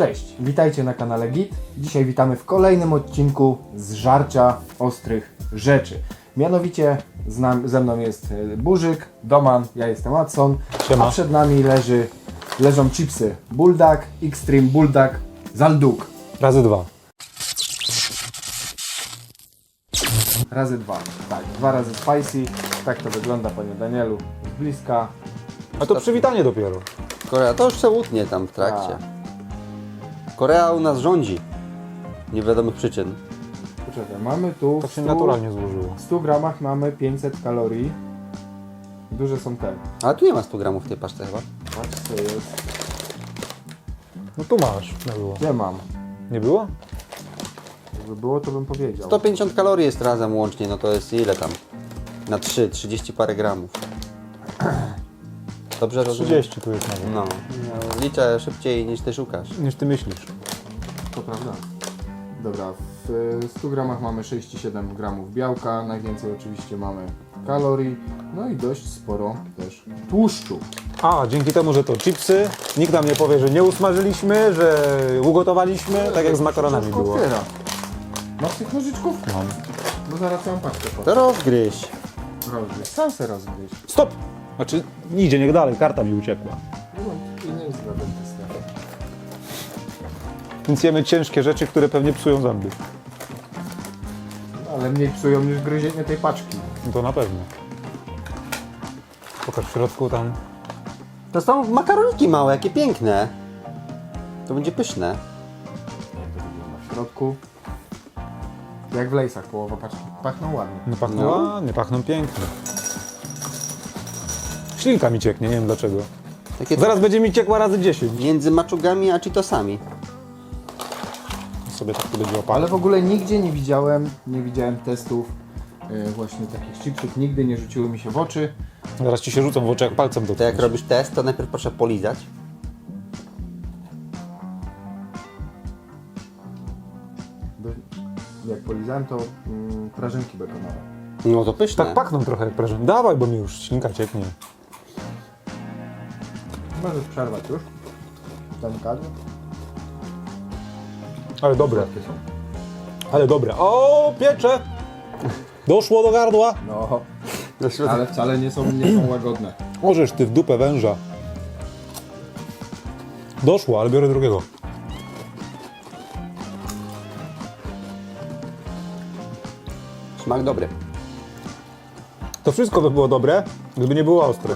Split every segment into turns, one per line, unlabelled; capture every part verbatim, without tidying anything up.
Cześć, witajcie na kanale Git. Dzisiaj witamy w kolejnym odcinku z żarcia ostrych rzeczy. Mianowicie z nam, ze mną jest Burzyk, Doman, ja jestem Watson,
Siema.
a przed nami leży, leżą chipsy Bulldog, Extreme Bulldog, Zalduk.
Razy dwa.
Razy dwa, tak, dwa razy spicy. Tak to wygląda, panie Danielu, z bliska.
A to przywitanie dopiero.
Korea to już se łutnie tam w trakcie. Korea u nas rządzi. Niewiadomych przyczyn.
Poczekaj, mamy tu
Tak
w
się
stu,
naturalnie złożyło.
w stu gramach mamy pięćset kalorii. Duże są te.
Ale tu nie ma stu gramów w tej paczce chyba.
Patrz co jest.
No tu masz. Nie było.
Gdzie mam?
Nie było?
Jakby było, to bym powiedział.
sto pięćdziesiąt kalorii jest razem łącznie, no to jest ile tam? Na trzy, trzydzieści parę gramów. Dobrze rozumiem?
trzydzieści tu jest nawet.
No. no. Liczę szybciej niż ty szukasz.
Niż ty myślisz.
To prawda. Dobra, w stu gramach mamy sześćdziesiąt siedem gramów białka, najwięcej oczywiście mamy kalorii, no i dość sporo też tłuszczu.
A, dzięki temu, że to chipsy, nikt nam nie powie, że nie usmażyliśmy, że ugotowaliśmy, tak jak z makaronami
Wszystko
było.
otwiera. Masz tych nożyczków?
Mam.
No zaraz całą paczkę
To
potem
rozgryź.
rozgryź. Sam se rozgryź.
Stop! Znaczy, idzie, niech dalej, karta mi uciekła.
No, i nie jest dla dentysty.
Więc jemy ciężkie rzeczy, które pewnie psują zęby.
Ale mniej psują niż gryzienie tej paczki.
No to na pewno. Pokaż w środku tam.
To są makaroniki małe, jakie piękne. To będzie pyszne.
W środku, jak w lejsach, połowa paczki. Pachną ładnie.
No pachną
No.
ładnie, pachną pięknie. Ślinka mi cieknie, nie wiem dlaczego.
Takie
Zaraz będzie mi ciekła razy dziesięć.
między maczugami a cheetosami.
Sobie tak to będzie łapało.
Ale w ogóle nigdzie nie widziałem, nie widziałem testów yy, właśnie takich chipsów, nigdy nie rzuciły mi się w oczy.
Zaraz ci się rzucą w oczy jak palcem do
To jak robisz test, to najpierw proszę polizać.
Bo jak polizałem, to mm, prażynki bekonowe.
No to pyszne.
Tak pachną trochę jak prezent. Dawaj, bo mi już ślinka cieknie.
Możesz przerwać już. Zamykadło.
Ale dobre,
Jakie są?
ale dobre. O, piecze! Doszło do gardła.
No, ale wcale nie są, nie są łagodne.
Możesz ty w dupę węża. Doszło, ale biorę drugiego.
Smak dobry.
To wszystko by było dobre, gdyby nie było ostre.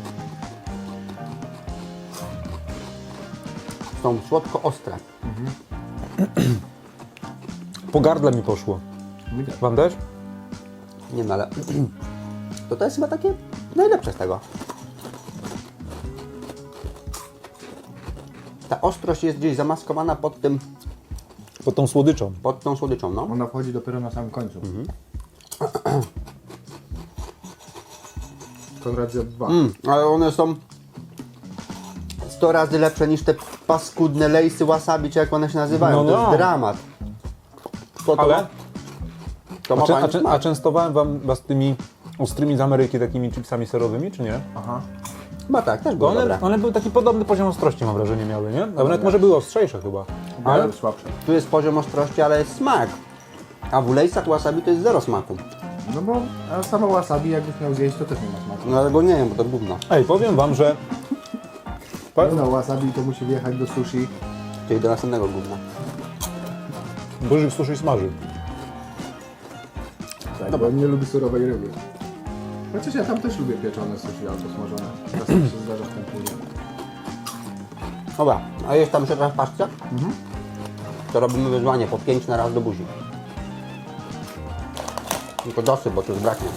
Są słodko-ostre.
Po gardle mi poszło.
Widać.
Wam też?
Nie no, ale to to jest chyba takie najlepsze z tego. Ta ostrość jest gdzieś zamaskowana pod tym,
Pod tą słodyczą.
pod tą słodyczą, no.
Ona wchodzi dopiero na samym końcu. Konrad zjadł dwa.
Mm, ale one są sto razy lepsze niż te paskudne lejsy wasabi, czy jak one się nazywają.
No,
To
no.
jest dramat. To, to,
Ale?
to ma
A, czę,
fajny
a, czę, a
smak.
częstowałem wam was tymi ostrymi z Ameryki, takimi chipsami serowymi, czy nie?
Aha.
Chyba tak, też
Bo
było
one,
dobre.
one były taki podobny poziom ostrości, mam wrażenie, miały, nie? Ale nawet może były ostrzejsze chyba.
Ale
Ale
słabsze.
Tu jest poziom ostrości, ale jest smak. A w lejsach wasabi to jest zero smaku.
No bo a samo wasabi jakbyś miał zjeść, to też nie ma smaku.
No ale go nie wiem, bo to gówno.
ej, powiem wam, że
No wasabi to musi wjechać do sushi.
Czyli do następnego gówna.
Burzyk sushi smaży.
Tak, bo on nie lubi surowej ryby. Chociaż ja tam też lubię pieczone sushi albo smażone. Czasem się zdarza w tym później.
Dobra, a jest tam jeszcze teraz w paczce? To robimy wyzwanie po pięć na raz do buzi. Tylko dosyp, bo tu już braknie.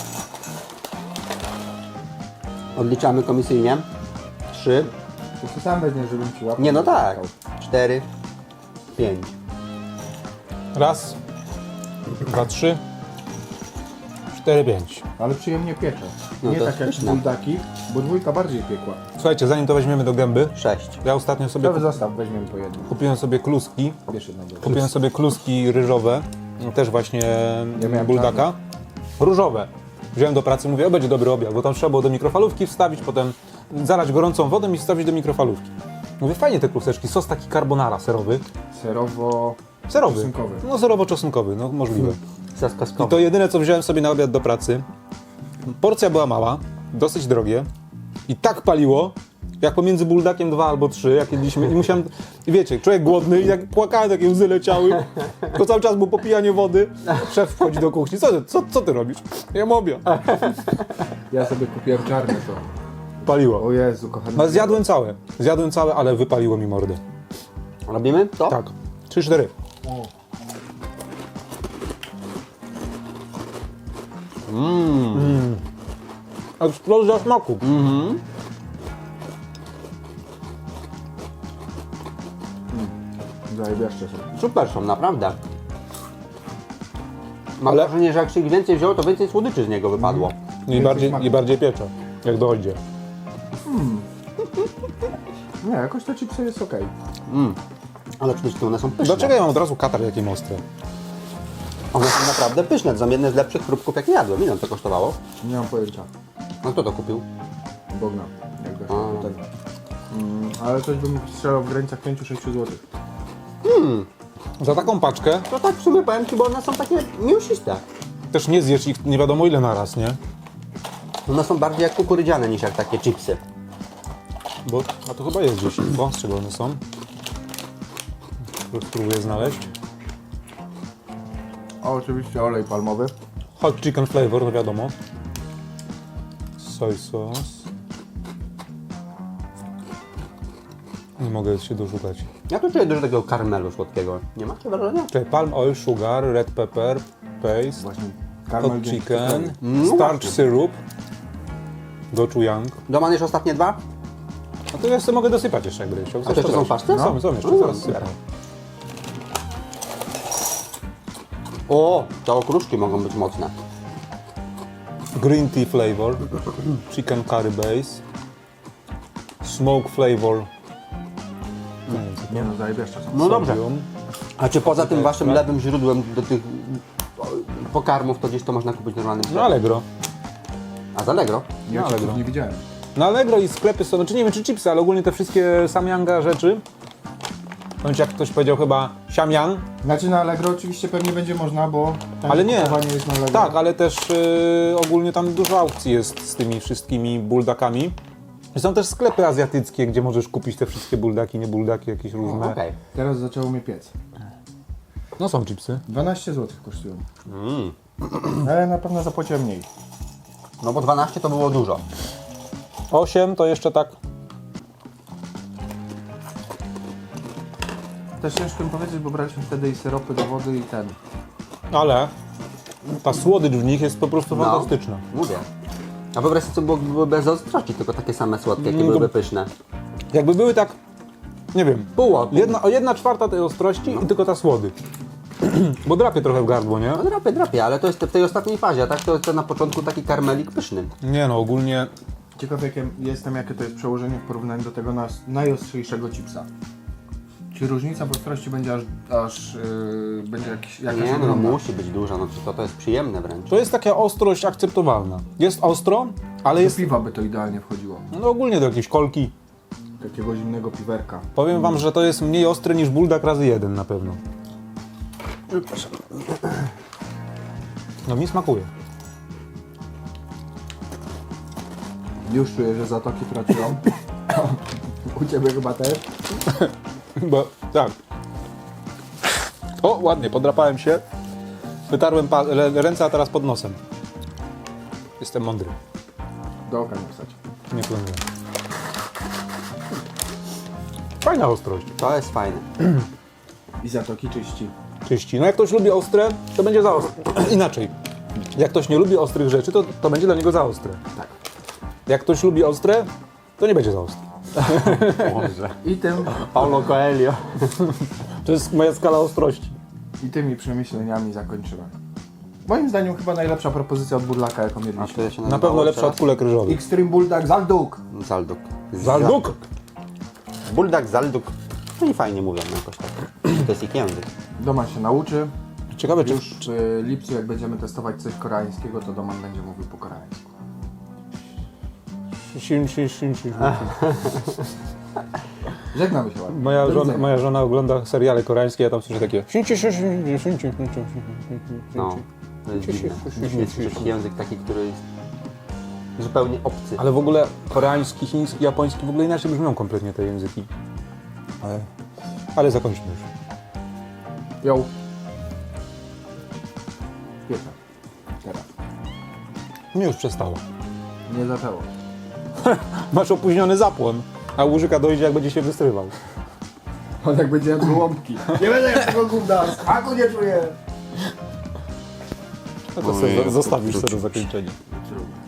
Odliczamy komisyjnie. Trzy.
To ty sam weźmiesz, żebym ci łapał.
Nie no tak. Cztery. Pięć.
Raz, dwa, trzy, cztery, pięć.
Ale przyjemnie piecze.
No
Nie
to
tak
jest
jak
pyszne.
buldaki, bo dwójka bardziej piekła.
Słuchajcie, zanim to weźmiemy do gęby,
Sześć.
ja ostatnio sobie
To
kup-
zostaw, weźmiemy po jednym.
kupiłem sobie kluski.
Bierz jednego.
Kupiłem sobie kluski ryżowe, też właśnie
miałem
buldaka. Różowe. Wziąłem do pracy, mówię, o będzie dobry obiad, bo tam trzeba było do mikrofalówki wstawić, potem zalać gorącą wodą i wstawić do mikrofalówki. Mówię, fajnie te kluseczki. Sos taki carbonara serowy.
Serowo...
Serowy.
Czosnkowy.
No serowo-czosnkowy, no możliwe.
Sos
I
kaskowy.
to jedyne, co wziąłem sobie na obiad do pracy. Porcja była mała, dosyć drogie i tak paliło, jak pomiędzy buldakiem dwa albo trzy, jak jedliśmy. I musiałem, i wiecie, człowiek głodny i jak płakałem, takie łzy leciały. To cały czas było popijanie wody. Szef wchodzi do kuchni. Co ty, co, co ty robisz? Ja obiad.
Ja sobie kupiłem czarne to.
Paliło.
O Jezu, kochany.
No zjadłem całe. Zjadłem całe, ale wypaliło mi mordę.
Robimy to?
Tak. trzy cztery. Mmm. Eksplozja smaku.
Mhm.
Zajebiaszcze są.
Super są, naprawdę. Mam
Ale-
wrażenie, że jak się ich więcej wzięło, to więcej słodyczy z niego wypadło.
I bardziej, i bardziej piecze, jak dojdzie.
Nie, jakoś te chipsy jest okej.
Ale przede wszystkim one są pyszne.
Dlaczego ja mam od razu katar jakie ostre?
One są naprawdę pyszne. To są jedne z lepszych chrupków, jakie jadłem. Ile to kosztowało?
Nie mam pojęcia.
No kto to kupił?
Bogna. Jak
A.
to ten. Mm, ale coś bym strzelał w granicach pięć sześć złotych.
Za taką paczkę
To tak w sumie powiem Ci, bo one są takie mięsiste.
też nie zjesz ich nie wiadomo ile na raz, nie?
One są bardziej jak kukurydziane niż jak takie chipsy.
Bo, a to chyba jest gdzieś. Bo z czego one są? Już spróbuję znaleźć.
O, oczywiście olej palmowy.
Hot chicken flavor, no wiadomo. Soy sauce. Nie mogę się doszukać.
Ja tu czuję dużo takiego karmelu słodkiego. Nie macie wrażenia?
Czyli palm oil, sugar, red pepper, paste,
Właśnie.
hot
Karmel
chicken,
No
starch
właśnie.
syrup, gochujang.
Doman jeszcze ostatnie dwa?
No to ja sobie mogę dosypać jeszcze jak będę chciał.
A to jeszcze są paszty?
Są, są jeszcze,
No,
zaraz
super.
sypam.
O, te okruszki mogą być mocne.
Green tea flavor, chicken curry base, smoke flavor. Nie wiem, co to
Nie no, zajebiaszcze są.
No dobrze.
sodium.
A czy poza tym
Tutaj
waszym
ekstrakt.
lewym źródłem do tych pokarmów, to gdzieś to można kupić normalnym
No Allegro.
A z Allegro?
Ja
No,
chipsów
Allegro.
nie widziałem.
Na Allegro i sklepy są, znaczy nie wiem czy chipsy, ale ogólnie te wszystkie Samyanga rzeczy. Bądź jak ktoś powiedział chyba Samyang.
Znaczy na Allegro oczywiście pewnie będzie można, bo tam
Ale nie.
kupowanie jest na Allegro.
Tak, ale też y, ogólnie tam dużo aukcji jest z tymi wszystkimi buldakami. I są też sklepy azjatyckie, gdzie możesz kupić te wszystkie buldaki, nie buldaki, jakieś różne.
Okej.
Teraz zaczęło mnie piec.
No są chipsy.
dwanaście złotych kosztują.
Mm.
Ale na pewno zapłaciłem mniej.
No bo dwanaście to było dużo.
osiem to jeszcze tak.
Też ciężko mi powiedzieć, bo braliśmy wtedy i syropy do wody i ten.
Ale ta słodycz w nich jest po prostu
No.
fantastyczna.
Mówię. A wyobraź sobie, co było, były bez ostrości, tylko takie same słodkie, jakie
Mm,
byłyby
to-
pyszne.
Jakby były tak, nie wiem,
Pół
jedna, o jedna czwarta tej ostrości i tylko ta słodycz. Bo drapie trochę w gardło, nie?
No drapie, drapie, ale to jest w tej ostatniej fazie, a tak to jest to na początku taki karmelik pyszny.
Nie no, ogólnie
Ciekaw jakie, jestem, jakie to jest przełożenie w porównaniu do tego nas, najostrzejszego chipsa. Czy różnica w ostrości będzie aż, aż yy, będzie jakiś, jakaś
Nie no,
ogromna?
musi być duża, no to, to jest przyjemne wręcz.
to jest taka ostrość akceptowalna. Jest ostro, ale
Do
jest
piwa by to idealnie wchodziło.
no, ogólnie do jakiejś kolki.
Takiego zimnego piwerka.
Powiem wam, że to jest mniej ostre niż buldak razy jeden na pewno. No mi smakuje.
Już czuję, że zatoki pracują. U Ciebie chyba też.
Bo tak. O, ładnie, podrapałem się. Wytarłem pa- le- ręce, a teraz pod nosem. Jestem mądry.
Do oka nie wstać.
Nie planuję. Fajna ostrość.
To jest fajne.
I zatoki czyści.
Czyści. No jak ktoś lubi ostre, to będzie za ostre. Inaczej. Jak ktoś nie lubi ostrych rzeczy, to, to będzie dla niego za ostre.
Tak.
Jak ktoś lubi ostre, to nie będzie za ostre.
Boże.
I tym,
Paulo Coelho.
To jest moja skala ostrości.
I tymi przemyśleniami zakończymy. Moim zdaniem chyba najlepsza propozycja od Burlaka, jaką
A
jedliśmy.
to ja się
Na
nazywało
pewno lepsza
teraz?
od kulek ryżowych.
Extreme Bulldog Zalduk.
Zalduk.
Zalduk!
Buldak, Zalduk. No i fajnie mówią jakoś tak. To jest ich język.
Doman się nauczy.
Ciekawe, czy...
Już w lipcu, jak będziemy testować coś koreańskiego, to Doman będzie mówił po koreańsku.
Sim, sim, sim, sim, sim.
Żegnamy się ładnie.
Moja
Do
żona,
widzenia.
moja żona ogląda seriale koreańskie, ja tam słyszę takie...
No, to jest dziwne. Dziwny jest język taki, który jest zupełnie obcy.
Ale w ogóle koreański, chiński, japoński w ogóle inaczej brzmią kompletnie te języki. Ale, ale zakończmy już.
Ją. Pierwsza. Teraz.
Nie już przestało.
Nie zaczęło.
Masz opóźniony zapłon, a łużyka dojdzie jak będzie się wystrywał.
On jak będzie jadł gołąbki. Nie będę jadł tego gówna, smaku nie czuję.
No to sobie zostawisz sobie do zakończenia.
Trudno.